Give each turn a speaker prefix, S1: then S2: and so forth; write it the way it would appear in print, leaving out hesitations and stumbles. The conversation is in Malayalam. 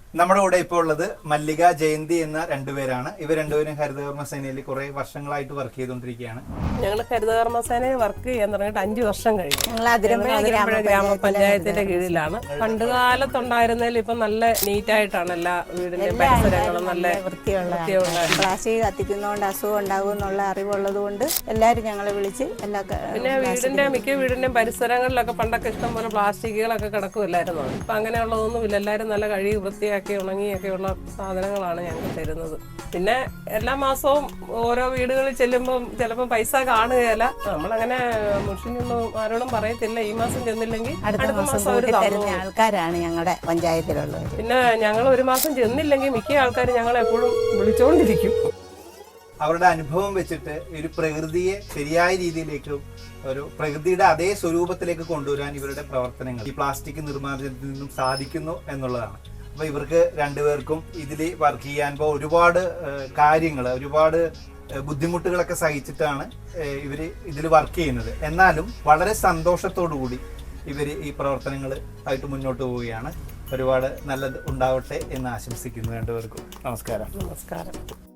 S1: നമ്മുടെ കൂടെ ഇപ്പോൾ ഉള്ളത് മല്ലിക, ജയന്തി എന്ന രണ്ടുപേരാണ്. ഇവർ രണ്ടുപേരും ഹരിതകർമ്മ സേനയിൽ കുറെ വർഷങ്ങളായിട്ട് വർക്ക് ചെയ്തുകൊണ്ടിരിക്കുകയാണ്.
S2: ഞങ്ങൾ ഹരിതകർമ്മ സേനയിൽ വർക്ക് ചെയ്യാൻ തുടങ്ങിയിട്ട് 5 വർഷം കഴിഞ്ഞു.
S3: ഞങ്ങൾ അതിരമ്പുഴ
S2: ഗ്രാമപഞ്ചായത്തിന്റെ കീഴിലാണ്. പണ്ട് കാലത്തുണ്ടായിരുന്നതിൽ ഇപ്പം നല്ല നീറ്റായിട്ടാണ് എല്ലാ വീടിന്റെയും പരിസരങ്ങളും നല്ല
S3: വൃത്തിയുള്ള പ്ലാസ്റ്റിക് കത്തിക്കുന്നതുകൊണ്ട് അസുഖം ഉണ്ടാകും എന്നുള്ള അറിവുള്ളത് കൊണ്ട് എല്ലാവരും ഞങ്ങളെ വിളിച്ച്
S2: പിന്നെ മിക്ക വീടിന്റെയും പരിസരങ്ങളിലൊക്കെ പണ്ടൊക്കെ ഇഷ്ടംപോലെ പ്ലാസ്റ്റിക്കുകളൊക്കെ കിടക്കുമില്ലായിരുന്നു. ഇപ്പൊ അങ്ങനെയുള്ളതൊന്നുമില്ല. എല്ലാവരും നല്ല കഴുകി വൃത്തിയാക്കി ഉണങ്ങിയൊക്കെയുള്ള സാധനങ്ങളാണ് ഞങ്ങൾക്ക് തരുന്നത്. പിന്നെ എല്ലാ മാസവും ഓരോ വീടുകളിൽ ചെല്ലുമ്പോൾ ചിലപ്പോൾ പൈസ കാണുകയല്ല. നമ്മളങ്ങനെ മുഷിനൊന്നും ആരോടും പറയത്തില്ല. ഈ മാസം ചെന്നില്ലെങ്കിൽ അടുത്ത മാസം അവർ തരുന്ന
S3: ആൾക്കാരാണ് ഞങ്ങളുടെ പഞ്ചായത്തിലുള്ളത്.
S2: പിന്നെ ഞങ്ങൾ ഒരു മാസം ചെന്നില്ലെങ്കിൽ മിക്ക ആൾക്കാരും ഞങ്ങളെ എപ്പോഴും വിളിച്ചുകൊണ്ടിരിക്കും.
S1: അവരുടെ അനുഭവം വെച്ചിട്ട് ഒരു പ്രകൃതിയെ ശരിയായ രീതിയിലേക്ക്, ഒരു പ്രകൃതിയുടെ അതേ സ്വരൂപത്തിലേക്ക് കൊണ്ടുവരാൻ ഇവരുടെ പ്രവർത്തനങ്ങൾ ഈ പ്ലാസ്റ്റിക് നിർമ്മാർജ്ജനത്തിൽ നിന്നും സാധിക്കുന്നു എന്നുള്ളതാണ്. അപ്പോൾ ഇവർക്ക് രണ്ടുപേർക്കും ഇതിൽ വർക്ക് ചെയ്യാൻ ഒരുപാട് കാര്യങ്ങൾ, ഒരുപാട് ബുദ്ധിമുട്ടുകളൊക്കെ സഹിച്ചിട്ടാണ് ഇവർ ഇതിൽ വർക്ക് ചെയ്യുന്നത്. എന്നാലും വളരെ സന്തോഷത്തോടു കൂടി ഇവർ ഈ പ്രവർത്തനങ്ങൾ ആയിട്ട് മുന്നോട്ട് പോവുകയാണ്. ഒരുപാട് നല്ലത് ഉണ്ടാവട്ടെ എന്ന് ആശംസിക്കുന്നു രണ്ടുപേർക്കും. നമസ്കാരം.
S2: നമസ്കാരം.